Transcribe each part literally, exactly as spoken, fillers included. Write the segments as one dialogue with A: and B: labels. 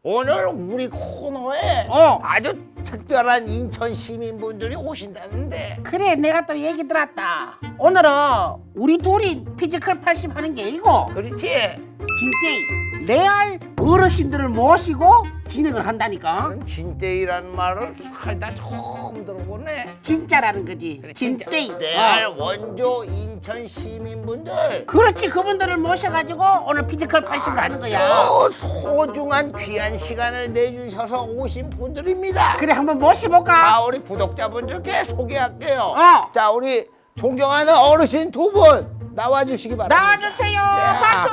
A: 오늘 우리 코너에
B: 어.
A: 아주 특별한 인천 시민분들이 오신다는데.
B: 그래, 내가 또 얘기 들었다. 오늘은 우리 둘이 피지컬 팔십 하는 게 아니고
A: 그렇지?
B: 진짜 레알 어르신들을 모시고 진행을 한다니까.
A: 나는 진떼이라는 말을 살다 처음 들어보네.
B: 진짜라는 거지.
A: 그래,
B: 진짜.
A: 진짜. 레알
B: 어.
A: 원조 인천 시민분들.
B: 그렇지, 그분들을 모셔가지고 오늘 피지컬 팔십을 하는 거야.
A: 어, 소중한 귀한 시간을 내주셔서 오신 분들입니다.
B: 그래, 한번 모셔볼까?
A: 자, 우리 구독자분들께 소개할게요.
B: 어.
A: 자, 우리 존경하는 어르신 두 분 나와주시기 바랍니다.
B: 나와주세요.
A: 네.
B: 박수.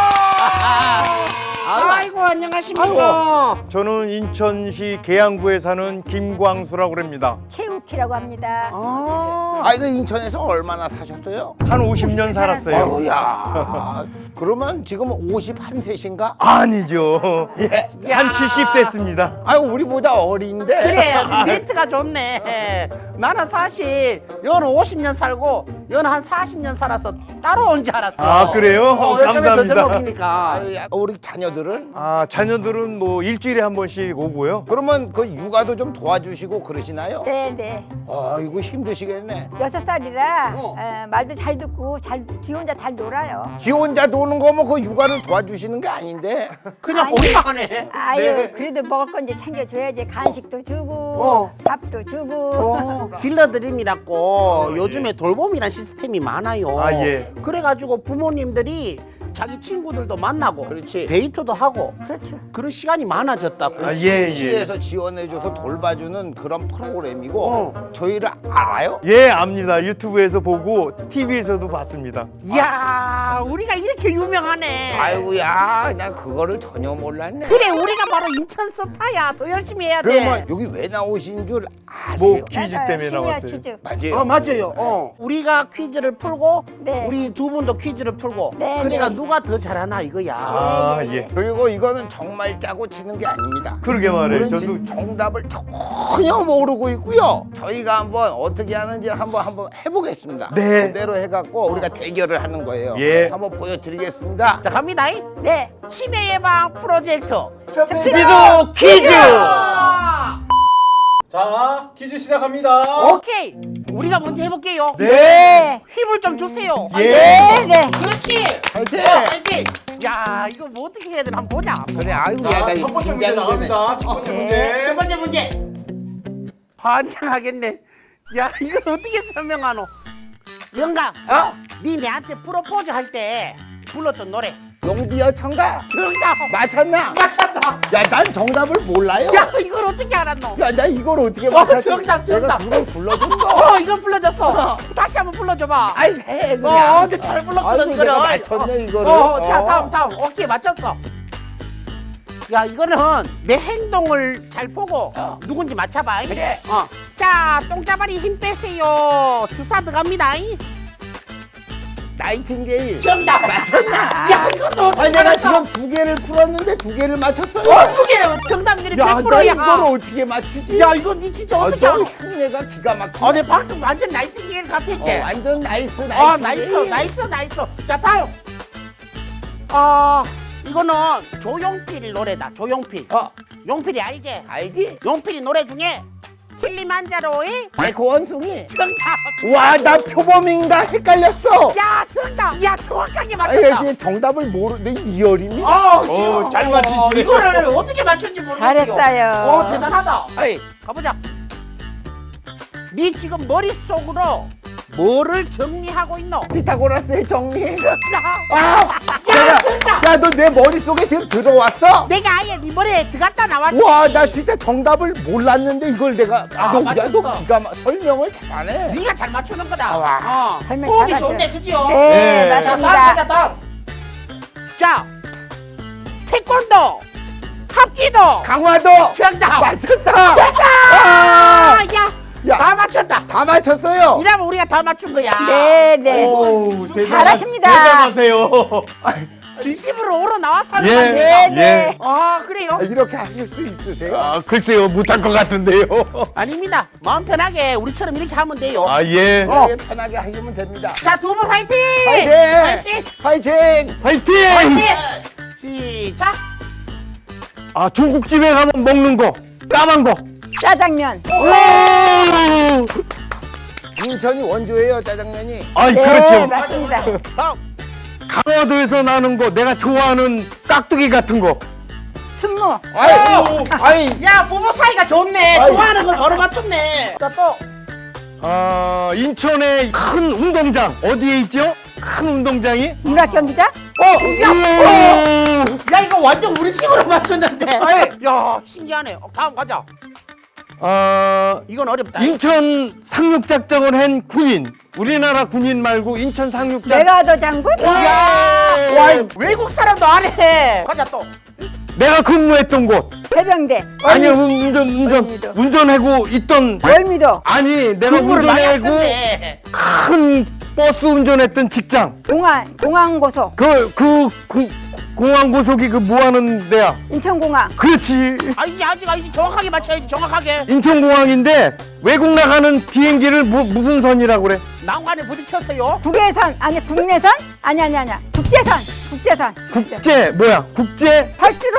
B: 아이고, 안녕하십니까.
C: 저는 인천시 계양구에 사는 김광수라고 합니다.
D: 최우키라고 합니다.
B: 아,
A: 아, 이거 인천에서 얼마나 사셨어요?
C: 한 오십 년 살았어요.
A: 어우야. 그러면 지금 오십일 세신가?
C: 아니죠.
A: 예.
C: 한 칠십 됐습니다.
A: 아유, 우리보다 어린데.
B: 그래, 멘트가 좋네. 나는 사실 여는 오십 년 살고 여는 한 사십 년 살아서 따로 온 줄 알았어.
C: 아, 그래요?
B: 어, 요즘에 더
C: 감사합니다.
B: 젊어보니까.
A: 아유, 야, 우리 자녀들은?
C: 아, 자녀들은 뭐 일주일에 한 번씩 오고요.
A: 그러면 그 육아도 좀 도와주시고 그러시나요?
D: 네네.
A: 아, 이거 힘드시겠네.
D: 여섯 살이라
B: 어.
D: 어, 말도 잘 듣고 잘 지 혼자 잘 놀아요.
A: 지 혼자 노는 거면 그 육아를 도와주시는 게 아닌데.
B: 그냥
D: 아니.
B: 보기만 하네.
D: 아유
B: 네.
D: 그래도 먹을 건 이제 챙겨줘야지. 간식도 주고
B: 어.
D: 밥도 주고.
B: 어, 딜러드림이라고 요즘에 돌봄이란 시스템이 많아요.
C: 아, 예.
B: 그래가지고 부모님들이 자기 친구들도 만나고
A: 그렇지.
B: 데이트도 하고
D: 그렇죠.
B: 그런 시간이 많아졌다고.
C: 아, 예, 예.
A: 시에서 지원해줘서 돌봐주는 그런 프로그램이고
B: 어.
A: 저희를 알아요?
C: 예, 압니다. 유튜브에서 보고 티비에서도 봤습니다.
B: 이야, 우리가 이렇게 유명하네.
A: 아이고야, 난 그거를 전혀 몰랐네.
B: 그래, 우리가 바로 인천 스타야. 더 열심히 해야 돼.
A: 그러면 여기 왜 나오신 줄 아세요?
C: 뭐 퀴즈
D: 맞아요.
C: 때문에
D: 시니어
C: 나왔어요.
D: 퀴즈.
A: 맞아요.
B: 어, 맞아요. 어. 우리가 퀴즈를 풀고
D: 네.
B: 우리 두 분도 퀴즈를 풀고
D: 네,
B: 그러니까
D: 네.
B: 누가 더 잘하나 이거야.
C: 아,
D: 예, 예,
C: 예.
A: 그리고 이거는 정말 짜고 치는 게 아닙니다.
C: 그러게 말해요.
A: 우리는
C: 저도
A: 지금 정답을 전혀 모르고 있고요. 저희가 한번 어떻게 하는지 한번 한번 해보겠습니다.
C: 네.
A: 그대로 해갖고 우리가 대결을 하는 거예요.
C: 예.
A: 한번 보여드리겠습니다.
B: 자, 갑니다.
D: 네.
B: 치매 예방 프로젝트.
C: 스피드 퀴즈!
E: 자, 퀴즈 시작합니다.
B: 오케이. 우리가 먼저 해볼게요.
D: 네.
B: 힘을 좀 주세요.
C: 예.
D: 네. 네.
B: 그렇지.
A: 화이팅!
B: 어, 화이팅. 야, 이거 뭐 어떻게 해야 되나 한번 보자.
A: 그래, 아이고, 야,
E: 자,
A: 나
E: 첫 번째 문제
A: 긴장이 되네.
E: 나갑니다. 첫 번째
B: 첫
E: 문제.
B: 번째 문제. 환장하겠네. 야, 이걸 어떻게 설명하노? 영감, 어? 네 내한테 프로포즈 할 때 불렀던 노래.
A: 용비어 청가
B: 정답.
A: 맞췄나?
B: 맞췄다.
A: 야, 난 정답을 몰라요.
B: 야, 이걸 어떻게 알았노?
A: 야, 나 이걸 어떻게
B: 어,
A: 맞췄지?
B: 정답, 정답.
A: 내가 그걸 불러줬어.
B: 어, 이걸 불러줬어. 다시 한번 불러줘봐.
A: 아이, 해 그냥.
B: 어, 근데 잘 불렀거든,
A: 아이고,
B: 이거를.
A: 내가 맞췄네, 이거를.
B: 어, 자,
A: 어.
B: 다음, 다음. 오케이, 맞췄어. 야, 이거는 내 행동을 잘 보고
A: 어.
B: 누군지 맞춰봐.
A: 그래.
B: 어. 자, 똥자발이 힘 빼세요. 주사 들어갑니다.
A: 나이팅게일.
B: 정답.
A: 맞췄나?
B: 야, 이것도 어떻게
A: 아니, 내가
B: 알았어?
A: 지금 두 개를 풀었는데 두 개를 맞췄어요.
B: 어, 두 개는 정답률이
A: 야,
B: 백
A: 나
B: 퍼센트야.
A: 이걸 어떻게 맞추지?
B: 야, 이건 니 진짜
A: 아,
B: 어떻게
A: 너
B: 알아?
A: 흉내가 기가 막히네.
B: 어, 내 방금 완전 나이팅게일 같았지?
A: 어, 완전 나이스, 나이스.
B: 어, 나이스, 나이스, 나이스. 자, 다음. 아, 이거는 조용필 노래다. 조용필.
A: 어,
B: 용필이 알지?
A: 알지?
B: 용필이 노래 중에 킬리만자로의
A: 에코 원숭이.
B: 정답.
A: 와, 나 표범인가 헷갈렸어.
B: 야, 정답. 야, 정확하게
A: 아,
B: 맞췄다.
A: 이제 정답을 모르, 내 리얼이니?
B: 어, 지금
C: 어, 잘 맞히시네.
B: 이거를 어떻게 맞춘지 모르겠어요.
D: 잘했어요.
B: 어, 대단하다.
A: 아이,
B: 가보자. 네 지금 머릿속으로 뭐를 정리하고 있노?
A: 피타고라스의 정리.
B: 정답.
A: 아,
B: 야, 정답.
A: 야, 너 내 머릿속에 지금 들어왔어?
B: 내가 아예 네 머리에 들어갔다 나왔지.
A: 와, 나 진짜 정답을 몰랐는데 이걸 내가
B: 아,
A: 너, 야,
B: 맞췄어.
A: 너 기가 막 설명을 잘하네.
B: 네가 잘 맞추는 거다.
A: 아, 와.
B: 어.
D: 설명
B: 호흡이
D: 잘하죠.
B: 좋네, 그지요?
D: 네,
C: 네.
B: 자, 다음
D: 맞습니다.
B: 가자, 다음. 자, 태권도, 합기도,
A: 강화도
B: 정답.
A: 맞췄다.
B: 정답.
A: 아,
B: 아, 야,
A: 야.
B: 다 맞췄다.
A: 다 맞췄어요.
B: 이러면 우리가 다 맞춘 거야.
D: 네. 네.
C: 오,
D: 잘하십니다.
C: 대단하세요.
B: 진심으로 오러 나왔어.
C: 예,
D: 네, 네.
C: 예.
B: 아, 그래요?
A: 아, 이렇게 하실 수 있으세요?
C: 아, 글쎄요, 못할 것 같은데요.
B: 아닙니다. 마음 편하게 우리처럼 이렇게 하면 돼요.
C: 아, 예.
A: 어. 예, 편하게 하시면 됩니다.
B: 자, 두 분 화이팅!
A: 화이팅!
B: 화이팅!
A: 화이팅!
C: 화이팅!
B: 화이팅! 시작!
C: 아, 중국집에 가면 먹는 거. 까만 거.
D: 짜장면.
C: 오!
A: 인천이 원조예요, 짜장면이.
C: 아이,
D: 네,
C: 그렇죠.
D: 맞습니다.
B: 다음.
C: 강화도에서 나는 거, 내가 좋아하는 깍두기 같은 거.
D: 순무.
A: 아이, 아이,
B: 야, 부부 사이가 좋네.
A: 아이.
B: 좋아하는 걸 바로 맞췄네. 자, 또.
C: 아, 인천의 큰 운동장. 어디에 있죠? 큰 운동장이?
D: 문학 경기장.
B: 어, 야, 어. 야, 이거 완전 우리 식으로 맞췄는데.
A: 아이.
B: 야, 신기하네. 어, 다음 가자.
C: 아,
B: 이건 어렵다.
C: 인천 상륙작전을 한 군인. 우리나라 군인 말고 인천 상륙작.
D: 메가더 장군.
B: 야, 와, 외국 사람도 안 해. 가자 또.
C: 내가 근무했던 곳.
D: 해병대.
C: 아니, 운- 운전, 운전,
D: 월미도.
C: 운전하고 있던.
D: 월미도.
C: 아니, 내가
B: 공부를 많이
C: 운전하고
B: 하셨네.
C: 큰 버스 운전했던 직장.
D: 공안. 공항고속.
C: 그, 그, 구, 공항고속이 그 뭐 하는 데야?
D: 인천공항.
C: 그렇지.
B: 아, 이제 아직 아직 정확하게 맞춰야지. 정확하게.
C: 인천공항인데 외국 나가는 비행기를 뭐, 무슨 선이라고 그래?
B: 난관에 부딪혔어요.
D: 국외선. 아니 국내선. 아니 아니 아니야. 국제선. 국제선.
C: 국제, 뭐야? 국제?
D: 활주로.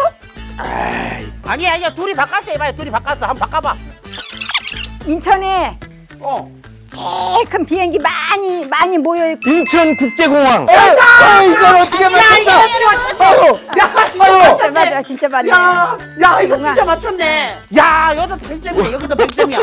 B: 아니야, 아니야. 둘이 바꿨어 해봐요. 둘이 바꿨어. 한번 바꿔봐.
D: 인천에
B: 어.
D: 제일 큰 비행기 많이 많이 모여 있고.
C: 인천국제공항.
A: 아, 이걸 어떻게 맞췄어? 아유,
B: 야,
D: 맞아 맞아 진짜 맞네.
B: 야, 야, 이거
D: 정말.
B: 진짜 맞췄네. 야, 여기도 백 점이네. 여기도 백 점이야.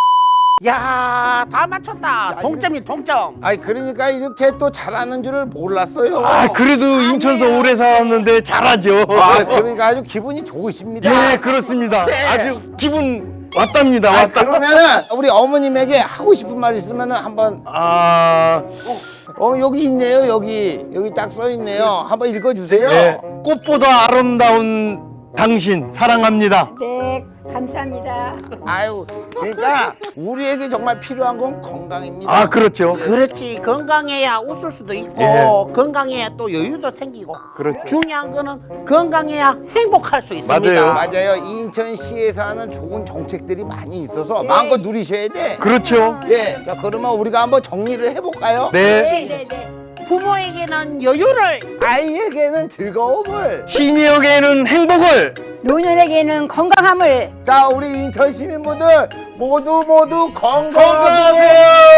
B: 야, 다 맞췄다. 동점이 동점.
A: 아이, 그러니까 이렇게 또 잘하는 줄을 몰랐어요.
C: 아, 그래도 인천서 오래 살았는데 잘하죠.
A: 아, 그러니까 아주 기분이 좋으십니다.
C: 예, 그렇습니다. 아주 기분 왔답니다.
A: 아,
C: 왔다.
A: 그러면은 우리 어머님에게 하고 싶은 말 있으면은 한번
C: 아,
A: 어 여기 있네요. 여기 여기 딱 써 있네요. 한번 읽어주세요.
C: 예. 꽃보다 아름다운 당신 사랑합니다.
D: 네 감사합니다.
A: 아유, 그러니까 우리에게 정말 필요한 건 건강입니다.
C: 아, 그렇죠.
B: 그렇지. 건강해야 웃을 수도 있고
C: 예.
B: 건강해야 또 여유도 생기고.
C: 그렇죠.
B: 중요한 거는 건강해야 행복할 수 있습니다.
C: 맞아요.
A: 맞아요. 인천시에서 하는 좋은 정책들이 많이 있어서 마음껏 누리셔야 돼.
C: 그렇죠.
A: 예. 자, 그러면 우리가 한번 정리를 해볼까요?
C: 네.
D: 네네네.
B: 부모에게는 여유를,
A: 아이에게는 즐거움을.
C: 시니어에게는 행복을.
D: 노년에게는 건강함을.
A: 자, 우리 인천 시민분들 모두 모두 건강하세요.
C: 건강하세요.